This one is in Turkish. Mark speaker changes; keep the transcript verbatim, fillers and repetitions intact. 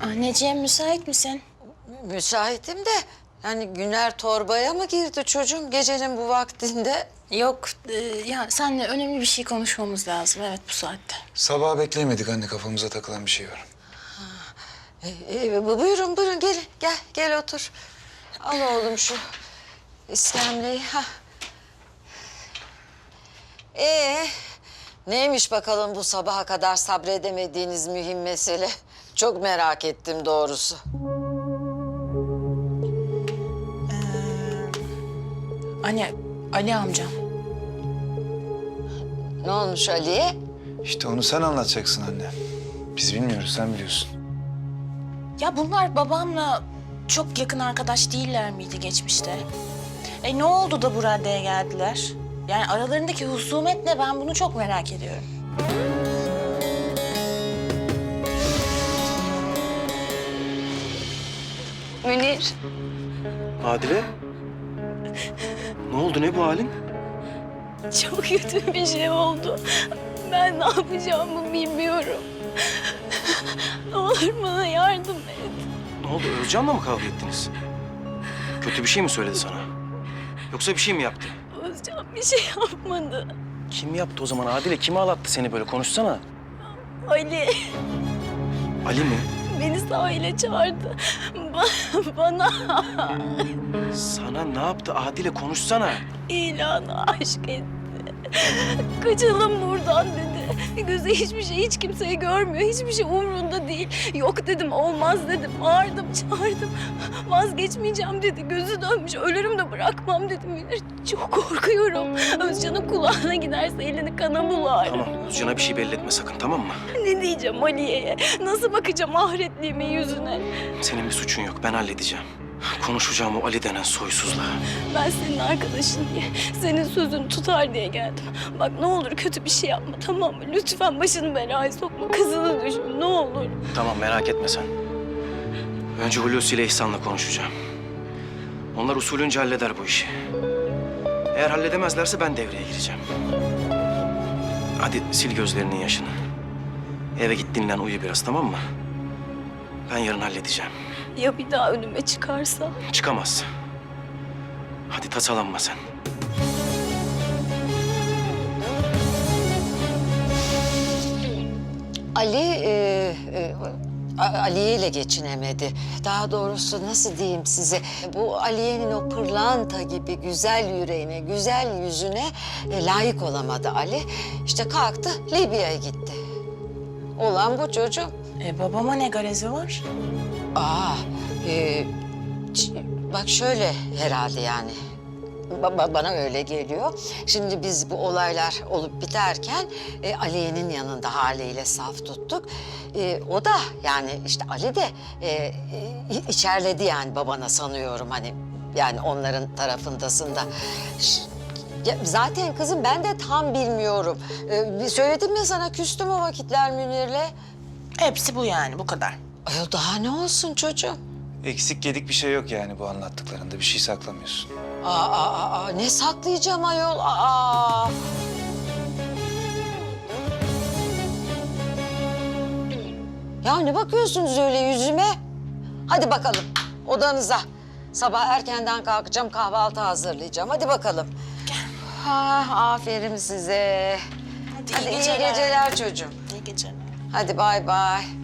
Speaker 1: Anneciğim müsait misin?
Speaker 2: Müsaitim de yani Güner torbaya mı girdi çocuğum gecenin bu vaktinde?
Speaker 1: Yok e, ya seninle önemli bir şey konuşmamız lazım evet bu saatte.
Speaker 3: Sabah bekleyemedik anne, kafamıza takılan bir şey var.
Speaker 2: E, e, bu- buyurun buyurun gelin gel gel otur. Al oğlum şu iskemleyi. Ha. Ee, neymiş bakalım bu sabaha kadar sabredemediğiniz mühim mesele? Çok merak ettim doğrusu.
Speaker 1: Anne Ali amcam.
Speaker 2: Ne olmuş Ali'ye?
Speaker 3: İşte onu sen anlatacaksın anne. Biz bilmiyoruz, sen biliyorsun.
Speaker 1: Ya bunlar babamla çok yakın arkadaş değiller miydi geçmişte? E ne oldu da bu raddeye geldiler? Yani aralarındaki husumet ne? Ben bunu çok merak ediyorum.
Speaker 4: Münir.
Speaker 5: Adile? Ne oldu, ne bu halin?
Speaker 4: Çok kötü bir şey oldu. Ben ne yapacağımı bilmiyorum. Ne olur bana yardım et.
Speaker 5: Ne oldu, Özcan'la mı kavga ettiniz? Kötü bir şey mi söyledi sana? Yoksa bir şey mi yaptı?
Speaker 4: Özcan bir şey yapmadı.
Speaker 5: Kim yaptı o zaman Adile? Kim ağlattı seni böyle? Konuşsana.
Speaker 4: Ali
Speaker 5: Ali mi?
Speaker 4: beni sahile çağırdı. Ba- bana
Speaker 5: Sana ne yaptı Adile? Konuşsana.
Speaker 4: ilanı aşk etti. Kaçalım buradan dedi. Gözü hiçbir şey, hiç kimseyi görmüyor. Hiçbir şey umrunda değil. Yok dedim, olmaz dedim. Bağırdım, çağırdım. Vazgeçmeyeceğim dedi. Gözü dönmüş, ölürüm de bırakmam dedim. Münir. Çok korkuyorum. Özcan'ın kulağına giderse elini kana bular.
Speaker 5: Tamam, Özcan'a bir şey belli etme sakın, tamam mı?
Speaker 4: Ne diyeceğim Aliye'ye? Nasıl bakacağım ahretliğimin yüzüne?
Speaker 5: Senin bir suçun yok, ben halledeceğim. Konuşacağım o Ali denen soysuzla.
Speaker 4: Ben senin arkadaşın diye, senin sözünü tutar diye geldim. Bak ne olur kötü bir şey yapma, tamam mı? Lütfen başını belaya sokma, kızını düşün, ne olur.
Speaker 5: Tamam, merak etme sen. Önce Hulusi ile İhsan'la konuşacağım. Onlar usulünce halleder bu işi. Eğer halledemezlerse ben devreye gireceğim. Hadi sil gözlerinin yaşını. Eve git dinlen, uyu biraz, tamam mı? Ben yarın halledeceğim.
Speaker 4: Ya bir daha önüme çıkarsa?
Speaker 5: Çıkamaz. Hadi tasalanma sen.
Speaker 2: Ali e, e, A- Aliye ile geçinemedi. Daha doğrusu nasıl diyeyim size? Bu Aliye'nin o pırlanta gibi güzel yüreğine, güzel yüzüne e, layık olamadı Ali. İşte kalktı Libya'ya gitti. Olan bu çocuğum.
Speaker 1: E babama ne garezi var?
Speaker 2: Aa, e, ç- bak şöyle herhalde yani. Ba- ba- bana öyle geliyor. Şimdi biz bu olaylar olup biterken e, Aliye'nin yanında haliyle saf tuttuk. E, o da yani işte Ali de e, e, içerledi yani babana sanıyorum hani yani onların tarafındasın da. Ş- ya zaten kızım ben de tam bilmiyorum. E, söyledim ya sana küstüm o vakitler Münir'le.
Speaker 1: Hepsi bu yani bu kadar.
Speaker 2: Ay daha ne olsun çocuğum?
Speaker 3: Eksik yedik bir şey yok yani bu anlattıklarında, bir şey saklamıyorsun.
Speaker 2: Aa, aa, aa, ne saklayacağım ayol? Aa. Ya ne bakıyorsunuz öyle yüzüme? Hadi bakalım odanıza. Sabah erkenden kalkacağım, kahvaltı hazırlayacağım. Hadi bakalım. Ha, aferin size.
Speaker 1: Hadi,
Speaker 2: Hadi
Speaker 1: iyi
Speaker 2: iyi
Speaker 1: geceler.
Speaker 2: geceler çocuğum.
Speaker 1: İyi geceler.
Speaker 2: Hadi bay bay.